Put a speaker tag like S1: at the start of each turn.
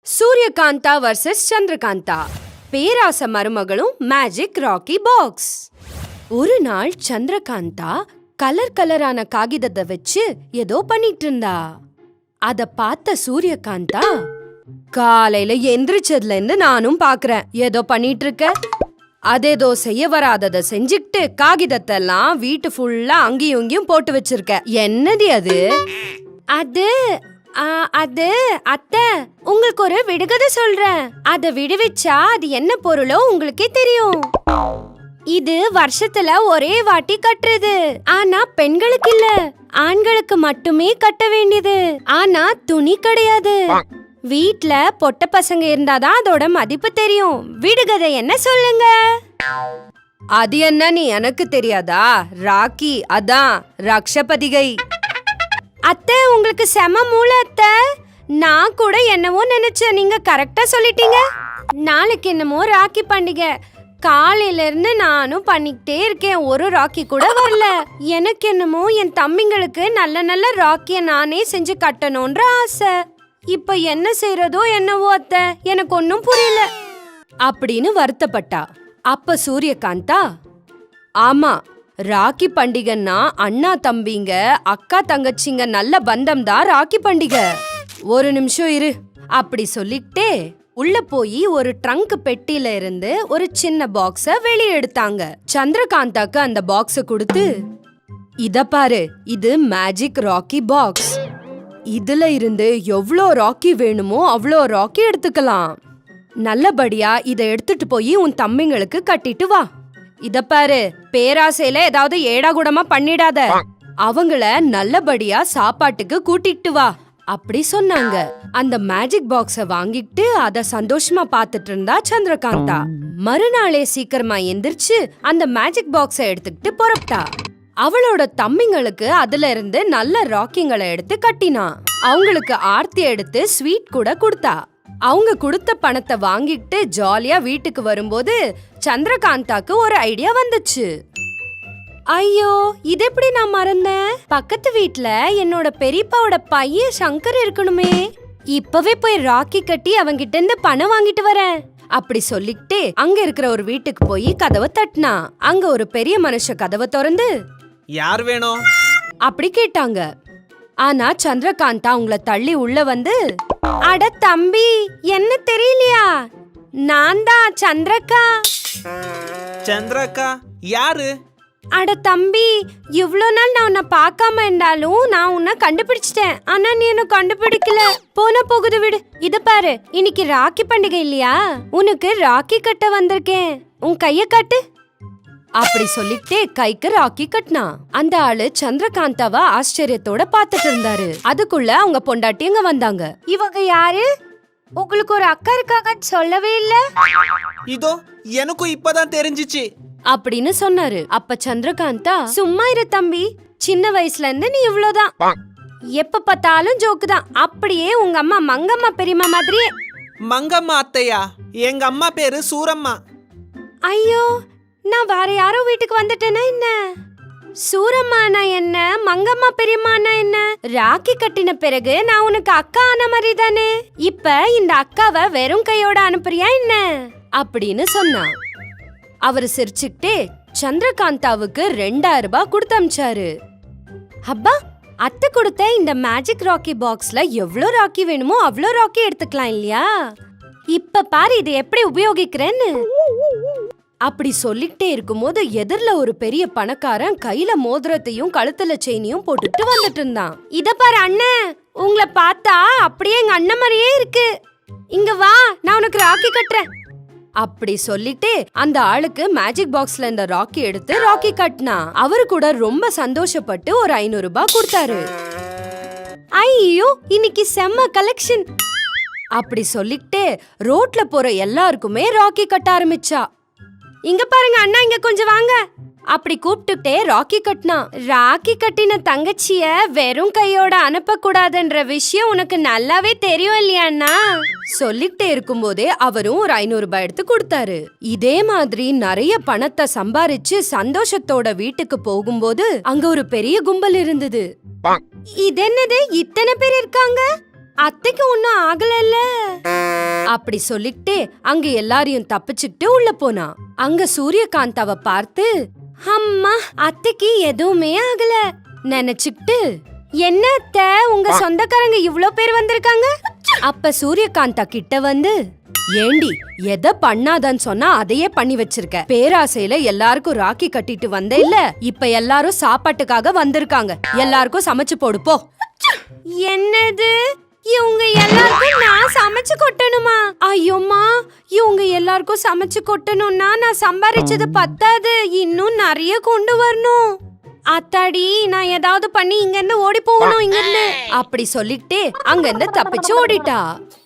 S1: Suryakantha versus Chandrakanta, பேராச மருமகளும் magic rakhi box. ஒரு நாள் சந்திரகாந்தா கலர் கலரான காகிதத்தை வச்சு ஏதோ பண்ணிட்டு இருந்தா. அத பார்த்த சூரியகாந்தா, காலையில எந்திரிச்சதுல இருந்து நானும் பாக்குறேன் ஏதோ பண்ணிட்டு இருக்க. அதேதோ செய்ய வராதத செஞ்சுக்கிட்டு காகிதத்தை எல்லாம் வீட்டு ஃபுல்லா அங்கேயும் இங்கேயும் போட்டு வச்சிருக்க. என்னது அது? அது அத்தை, உங்களுக்கு ஒரு விடுகதை சொல்றேன். அத விடுவிச்சா அது என்ன பொருளோ உங்களுக்கே தெரியும். இது வருஷத்துல ஒரே வாட்டி கட்டுறது. ஆனா பெண்களுக்கு இல்ல, ஆண்களுக்கு மட்டுமே கட்ட வேண்டியது. ஆனா துணி கிடையாது. வீட்ல பொட்ட பசங்க இருந்தாதான் அதோட மதிப்பு தெரியும். விடுகதை என்ன சொல்லுங்க? அது என்னன்னு எனக்கு தெரியாதா? ராக்கி, அதான் ரக்ஷபதிகை. அத்தை, உங்களுக்கு செம மூளை அத்தை. நான் கூட என்னவோ நினைச்சேன், நீங்க கரெக்டா சொல்லிட்டீங்க. நாளைக்கு என்னமோ ராக்கி பண்டிகை. காலையில இருந்து நானும் பண்ணிக்கிட்டே இருக்கேன், ஒரு ராக்கி கூட வரல. எனக்கு என்னமோ என் தம்பிங்களுக்கு நல்ல நல்ல ராக்கிய நானே செஞ்சு கட்டணும்ன்ற ஆசை. இப்ப என்ன செய்யறதோ என்னவோ அத்தை, எனக்கு ஒன்னும் புரியல அப்படின்னு வருத்தப்பட்டா. அப்ப சூரியகாந்தா, ஆமா, ராக்கி பண்டிகைன்னா அண்ணா தம்பிங்க அக்கா தங்கச்சிங்க நல்ல பந்தம் தான் ராக்கி பண்டிகை. ஒரு நிமிஷம் இரு அப்படி சொல்லிட்டே உள்ள போய் ஒரு ட்ரங்க் பெட்டியில இருந்து ஒரு சின்ன பாக்ஸ வெளியே எடுத்தாங்க. சந்திரகாந்தாக்கு அந்த பாக்ஸ கொடுத்து, இத பாரு, இது மேஜிக் ராக்கி பாக்ஸ். இதுல இருந்து எவ்வளோ ராக்கி வேணுமோ அவ்வளோ ராக்கி எடுத்துக்கலாம். நல்லபடியா இத எடுத்துட்டு போய் உன் தம்பிங்களுக்கு கட்டிட்டு வா. இத பாரு, பேராசையில ஏதாவது ஏடாகுடமா பண்ணிடாத. அவங்கள நல்லபடியா சாப்பாட்டுக்கு கூட்டிட்டு வா அப்படி சொன்னாங்க. அந்த மேஜிக் பாக்ஸ வாங்கிட்டு அத சந்தோஷமா பாத்துட்டு இருந்தா சந்திரகாந்தா. மறுநாளே சீக்கிரமா எந்திரிச்சு அந்த மேஜிக் பாக்ஸ எடுத்துக்கிட்டு புறப்பட்டா. அவளோட தம்பிங்களுக்கு அதுல இருந்து நல்ல ராக்கிங்களை எடுத்து கட்டினா. அவங்களுக்கு ஆர்த்தி எடுத்து ஸ்வீட் கூட கொடுத்தா. அவங்க கொடுத்த பணத்தை வாங்கிட்டு ஜாலியா வீட்டுக்கு வரும்போது சந்திரகாந்தாக்கு ஒரு ஐடியா வந்துச்சு. ஐயோ, இது எப்படி நான் மறந்தேன்? பக்கத்து வீட்ல என்னோட பெரியப்பாவோட பையன் சங்கர் இருக்கணுமே. இப்பவே போய் ராக்கி கட்டி அவங்கிட்ட இருந்து பணம் வாங்கிட்டு வரேன் அப்படி சொல்லிக்கிட்டே அங்க இருக்கிற ஒரு வீட்டுக்கு போய் கதவை தட்டினா. அங்க ஒரு பெரிய மனுஷ கதவை திறந்து,
S2: யார் வேணும்
S1: அப்படி கேட்டாங்க. ஆனா சந்திரகாந்தா அவங்கள தள்ளி உள்ள வந்து, அட தம்பி, என்ன தெரியலையா? நான் தான் சந்திரக்கா.
S2: சந்திரக்கா யாரு?
S1: அட தம்பி, இவ்ளோ நாள் நான் உன்னை பார்க்காம இருந்தாலும் நான் உன்னை கண்டுபிடிச்சிட்டேன். ஆனா நீ என்ன கண்டுபிடிக்கல. போன போகுது விடு. இத பாரு, இன்னைக்கு ராக்கி பண்டிகை இல்லையா? உனக்கு ராக்கி கட்ட வந்திருக்கேன். உன் கைய காட்டு அப்படி சொல்லிட்டே கைக்கு ராக்கி கட்டினா. அந்த ஆளு சந்திரகாந்தாவ ஆச்சரியத்தோட பாத்துட்டு இருந்தாரு. அதுக்குள்ள அவங்க பொண்டாட்டிங்க வந்தாங்க. இவங்க யாரு? உங்களுக்கு ஒரு அக்கா இருக்காங்கன்னு சொல்லவே இல்ல.
S2: இதோ எனக்கும் இப்பதான் தெரிஞ்சிச்சு
S1: அப்படின்னு சொன்னாரு. அப்ப சந்திரகாந்தா, சும்மா இரு தம்பி, சின்ன வயசுல இருந்து நீ இவ்ளோதான், எப்ப பார்த்தாலும் ஜோக்கு தான். அப்படியே உங்க அம்மா மங்கம்மா பெரியம்மா மாதிரியே.
S2: மங்கம்மா அத்தையா? எங்க அம்மா பேரு சூரம்மா.
S1: ஐயோ, நான் வேற யாரோ வீட்டுக்கு வந்துட்டேனா என்ன? சூரம்மானா என்ன, மங்கம்மா பெரியம்மானா என்ன? ராக்கி கட்டின பிறகு நான் உனக்கு அக்கா ஆன மாதிரி தானே. இப்ப இந்த அக்காவை வெறும் கையோட அனுப்புறியா என்ன அப்படின்னு சொன்னா. அவரு சிரிச்சுக்கிட்டே சந்திரகாந்தாவுக்கு 2000 ரூபாய் கொடுத்து அனுப்பிச்சாரு. அப்பா, அத்தை கொடுத்த இந்த மேஜிக் ராக்கி பாக்ஸ்ல எவ்வளவு ராக்கி வேணுமோ அவ்வளோ ராக்கி எடுத்துக்கலாம் இல்லையா? இப்ப பாரு இதை எப்படி உபயோகிக்கிறேன்னு அப்படி சொல்லிட்டே இருக்கும்போது எதிரில ஒரு பெரிய பணக்காரன் கையில மோதிரத்தையும் கழுத்துல செயினையும் போட்டுட்டு வந்துட்டு இருந்தான். இத பாரு அண்ணன், உங்களை பார்த்தா அப்படியே எங்க அண்ணன் மாதிரியே இருக்கு. இங்க வா, நான் உனக்கு ராக்கி கட்டுறேன் அப்படி சொல்லிட்டு அந்த ஆளுக்கு மேஜிக் பாக்ஸ்ல இந்த ராக்கி எடுத்து ராக்கி கட்டினா. அவரு கூட ரொம்ப சந்தோஷப்பட்டு ஒரு 500 ரூபாய் கொடுத்தாரு. ஐயோ, இன்னைக்கு செம்ம கலெக்ஷன் அப்படி சொல்லிட்டு ரோட்ல போற எல்லாருக்குமே ராக்கி கட்ட ஆரம்பிச்சா. இங்க பாருங்க அண்ணா, இங்க கொஞ்சம் வாங்க அப்படி கூப்பிட்டுட்டே ராக்கி கட்டினா. ராக்கி கட்டின தங்கச்சிய வெறும் கையோட அனுப்ப கூடாதுன்ற விஷயம் உனக்கு நல்லாவே தெரியும் இல்லையாண்ணா? சொல்லிட்டே இருக்கும்போதே அவரும் ஒரு 500 ரூபாய் எடுத்து கொடுத்தாரு. இதே மாதிரி நிறைய பணத்தை சம்பாரிச்சு சந்தோஷத்தோட வீட்டுக்கு போகும்போது அங்க ஒரு பெரிய கும்பல் இருந்தது. இது என்னது, இத்தனை பேர் இருக்காங்க? அத்தைக்கு ஒன்னும் ஆகல. அப்படி சொல்லிக்கிட்டே அங்க எல்லாரையும் தப்பிச்சுக்கிட்டு உள்ள போனா. அங்க சூரியகாந்தாவ பார்த்து, அம்மா அத்தைக்கு எதுவுமே ஆகல நினைச்சுக்கிட்டு, என்ன அத்தை உங்க சொந்தக்காரங்க இவ்ளோ பேர் வந்திருக்காங்க? அப்ப சூரியகாந்தா கிட்ட வந்து, ஏண்டி எதை பண்ணாதன்னு சொன்னா அதையே பண்ணி வச்சிருக்க. பேராசையில எல்லாருக்கும் ராக்கி கட்டிட்டு வந்த இல்ல, இப்ப எல்லாரும் சாப்பாட்டுக்காக வந்திருக்காங்க, எல்லாருக்கும் சமைச்சு போடு போ. என்னது, இவங்க எல்லாருக்கும் நான் சமைச்சு கொட்டணுமா? ஐயோம்மா, இவங்க எல்லாருக்கும் சமைச்சு கொட்டணும்னா நான் சம்பாரிச்சது பத்தாது, இன்னும் நிறைய கொண்டு வரணும். அத்தாடி, நான் ஏதாவது பண்ணி இங்க இருந்து ஓடி போகணும் இங்க இருந்து. அப்படி சொல்லிட்டே அங்க இருந்து தப்பிச்சு ஓடிட்டா.